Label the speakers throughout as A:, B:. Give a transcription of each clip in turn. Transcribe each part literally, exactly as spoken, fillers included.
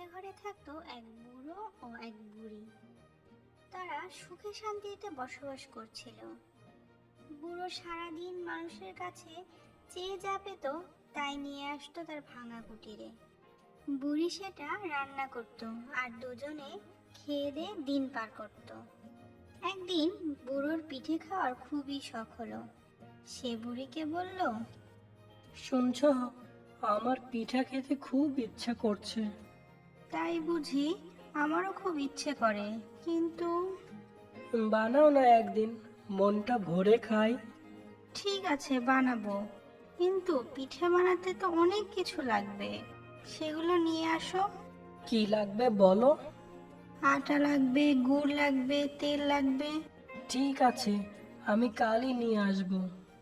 A: ঘরে থাকতো এক বুড়ো ও এক বুড়ি। তারা সুখে শান্তিতে বসবাস করছিল। বুড়ো সারাদিন মানুষের কাছে চেয়ে যা পেত তাই নিয়ে আসতো তার ভাঙা কুটিরে। বুড়ি সেটা রান্না করত আর দুজনে খেয়ে দিয়ে দিন পার করত। একদিন বুড়োর পিঠে খাওয়ার খুবই শখ হলো। সে বুড়িকে বলল,
B: শুনছ, আমার পিঠা খেতে খুব ইচ্ছা করছে।
A: তাই বুঝি? আমারও খুব ইচ্ছে করে, কিন্তু
B: বানাও না একদিন, মনটা ভরে খাই।
A: ঠিক আছে, বানাবো, কিন্তু পিঠে বানাতে তো অনেক কিছু লাগবে। সেগুলো নিয়ে আসো।
B: কি লাগবে বলো?
A: আটা লাগবে, গুড় লাগবে, তেল লাগবে।
B: ঠিক আছে, আমি কালই নিয়ে আসবো।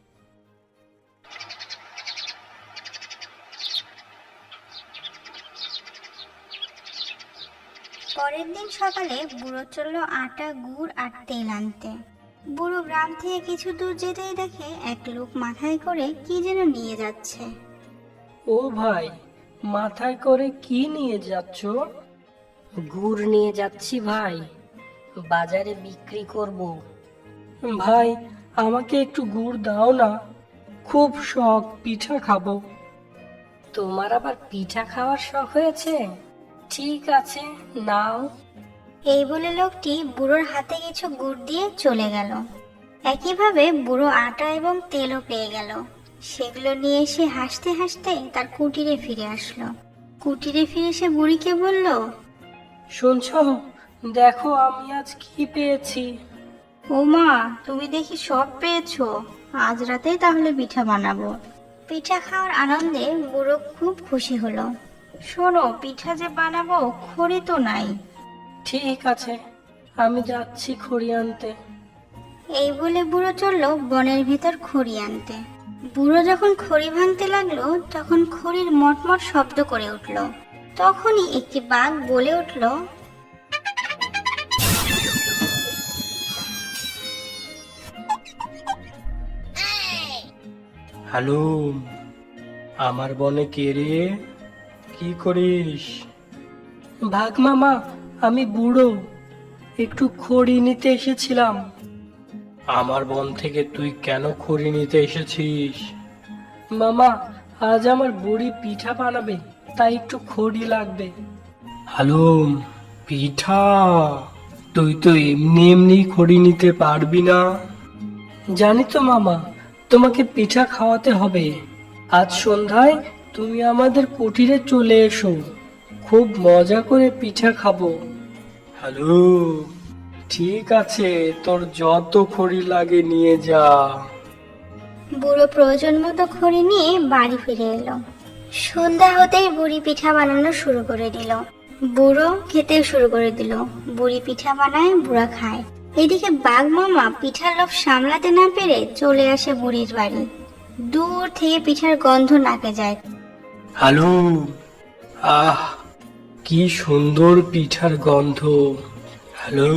A: পরের দিন সকালে বুড়ো চললো আটা, গুড় আর তেল আনতে। বুড়ো গ্রাম থেকে কিছু দূর যেতেই দেখে এক লোক মাথায় করে কি যেন নিয়ে যাচ্ছে।
B: ও ভাই, মাথায় করে কি নিয়ে যাচ্ছ? গুড় নিয়ে যাচ্ছি ভাই, বাজারে বিক্রি করব। ভাই, আমাকে একটু গুড় দাও না, খুব শখ পিঠা খাবো। তোমার আবার পিঠা খাওয়ার শখ হয়েছে? ঠিক আছে, নাও।
A: এই বলে লোকটি বুড়োর হাতে কিছু গুড় দিয়ে চলে গেল। একইভাবে বুড়ো আটা এবং তেলও পেয়ে গেল। সেগুলো নিয়ে এসে হাসতে হাসতে তার কুটিরে ফিরে আসলো। কুটিরে ফিরে সে বুড়িকে বলল,
B: শুনছ, দেখো আমি আজ কি পেয়েছি।
A: ও মা, তুমি দেখি সব পেয়েছো। আজ রাতেই তাহলে পিঠা বানাবো। পিঠা খাওয়ার আনন্দে বুড়ো খুব খুশি হলো। শোনো, পিঠা যে বানাবো, খড়ি তো নাই।
B: ঠিক আছে, আমি যাচ্ছি খড়ি আনতে।
A: এই বলে বুড়ো চললো বনের ভিতর খড়ি আনতে। বুড়ো যখন খড়ি ভাঙতে লাগলো তখন খড়ির মটমট শব্দ করে উঠলো। তখনই একটি বাঘ বলে উঠলো,
B: হ্যালো, আমার বনে কে রে? কি করিস? ভাগ মামা, আমি বুড়ো, একটু খড়ি নিতে এসেছিলাম। আমার বন থেকে তুই কেন খড়ি নিতে এসেছিস? মামা, আজ আমার বুড়ি পিঠা বানাবে, তাই একটু খড়ি লাগবে। হ্যালো, পিঠা? তুই তো এমনি এমনি খড়ি নিতে পারবি না। জানি তো মামা, তোমাকে পিঠা খাওয়াতে হবে। আজ সন্ধ্যায় তুমি আমাদের কুটিরে চলে এসো, খুব মজা করে পিঠা খাবো। হ্যালো, ঠিক আছে, তোর যত খড়ি লাগে নিয়ে যা।
A: বুড়ো প্রয়োজন মতো খড়ি নিয়ে বাড়ি ফিরে এলো। সন্ধ্যা হতেই বুড়ি পিঠা বানানো শুরু করে দিল। বুড়ো খেতে শুরু করে দিল। বুড়ি পিঠা বানায়, বুড়া খায়। এদিকে বাঘ মামা পিঠার লোভ সামলাতে না পেরে চলে আসে বুড়ির বাড়ি। দূর থেকে পিঠার গন্ধ নাকে যায়।
B: হ্যালো, আহ, কি সুন্দর পিঠার গন্ধ। হ্যালো,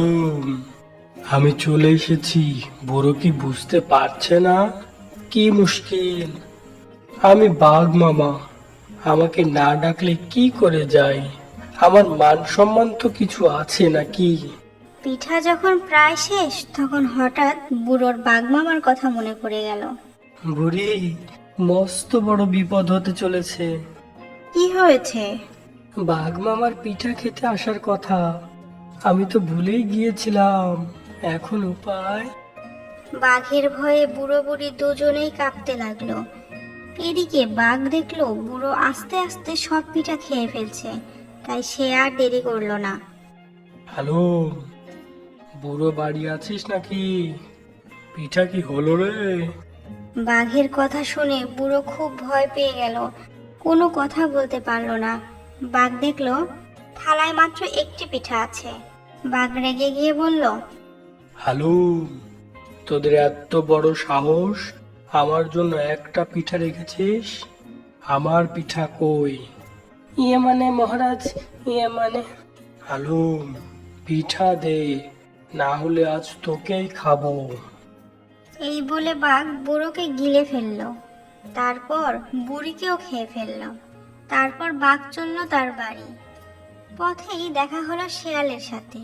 B: আমি চলে এসেছি। বুড়ো কি বুঝতে পারছে না? কি মুশকিল, আমি বাঘ মামা, আমাকে না ডাকলে কি করে যাই? আমার মান সম্মান তো কিছু আছে নাকি?
A: পিঠা যখন প্রায় শেষ তখন হঠাৎ বুড়োর বাঘ মামার কথা মনে পড়ে গেল।
B: বুড়ি, মস্ত বড় বিপদ হতে চলেছে।
A: কি হয়েছে?
B: বাঘ মামার পিঠা খেতে আসার কথা, আমি তো ভুলেই গিয়েছিলাম। এখন উপায়?
A: বাঘের ভয়ে বুড়ো বুড়ি দুজনেই কাঁপতে লাগলো। এদিকে বাঘ দেখলো বুড়ো আস্তে আস্তে সব পিঠা খেয়ে ফেলছে, তাই সে আর দেরি করলো না।
B: হ্যালো, বুড়ো বাড়ি আছিস নাকি? পিঠা কি হলো রে?
A: বাঘের কথা শুনে বুড়ো খুব ভয় পেয়ে গেল, কোনো কথা বলতে পারলো না। বাঘ দেখলো থালায় মাত্র একটি পিঠা আছে। বাঘ রেগে গিয়ে বলল,
B: হ্যালো, তোদের এত বড় সাহস, আমার জন্য একটা পিঠা রেখেছিস? আমার পিঠা কই? ইয়ে মানে মহারাজ, ইয়ে মানে। হ্যালো, পিঠা দে, না হলে আজ তোকেই খাবো।
A: এই বলে বাঘ বুড়োকে গিলে ফেললো, তারপর বুড়িকেও খেয়ে ফেললো। তারপর বাঘ চলল তার বাড়ি। পথেই দেখা হলো শেয়ালের সাথে।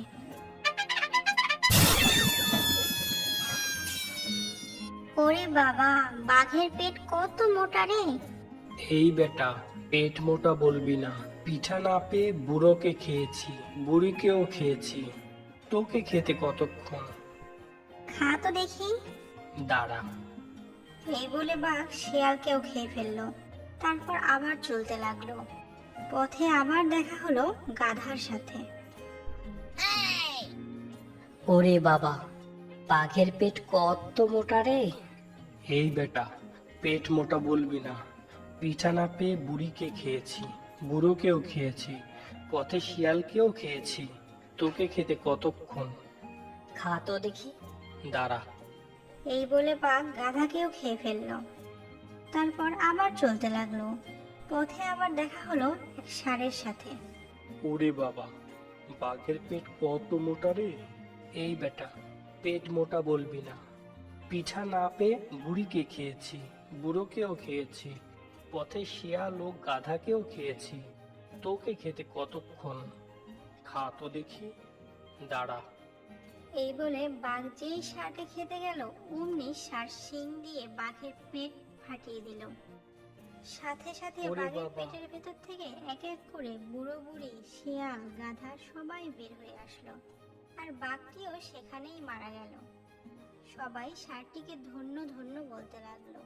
A: ওরে বাবা, বাঘের পেট কত মোটা রে!
B: এই বেটা, পেট মোটা বলবি না। পিঠা না পেয়ে বুড়োকে খেয়েছি, বুড়িকেও খেয়েছি, তোকে খেতে কতক্ষণ?
A: খা তো দেখি।
B: দাঁড়া।
A: এই বলে বাঘ শেয়ালকেও খেয়ে ফেললো। তারপর আবার চলতে লাগলো। পথে আবার দেখা হলো গাধার সাথে।
C: ওরে বাবা, বাঘের পেট কত মোটা রে!
B: এই বেটা, পেট মোটা বলবি না। পিঠা না পেয়ে বুড়িকে খেয়েছি, বুড়োকেও খেয়েছি, পথে শিয়ালকেও খেয়েছি, তোকে খেতে কতক্ষণ?
C: খা তো দেখি।
B: দাঁড়া।
A: এই বলে বাঘ গাধাকেও খেয়ে ফেললো। তারপর আবার চলতে লাগলো। পথে আবার দেখা হলো এক ষাঁড়ের সাথে।
B: ওরে বাবা, বাঘের পেট কত মোটা রে! এই বেটা, পেট মোটা বলবি না। পিঠা না পেয়ে বুড়িকে খেয়েছি, বুড়োকেও খেয়েছি, পথে শিয়াল ও গাধাকেও খেয়েছি, তোকে খেতে কতক্ষণ? খা তো দেখি। দাঁড়া।
A: এই বলে বাঘ যেই ষাঁড়কে খেতে গেল, অমনি ষাঁড় শিং দিয়ে বাঘের পেট ফাটিয়ে দিল। সাথে সাথে
B: ওরে
A: বাঘের
B: বাবা।
A: পেটের ভেতর থেকে এক এক করে বুড়ো বুড়ি, শিয়াল, গাধা সবাই বের হয়ে আসলো। আর বাঘটিও সেখানেই মারা গেল। সবাই ষাঁড়টিকে ধন্য ধন্য বলতে লাগলো।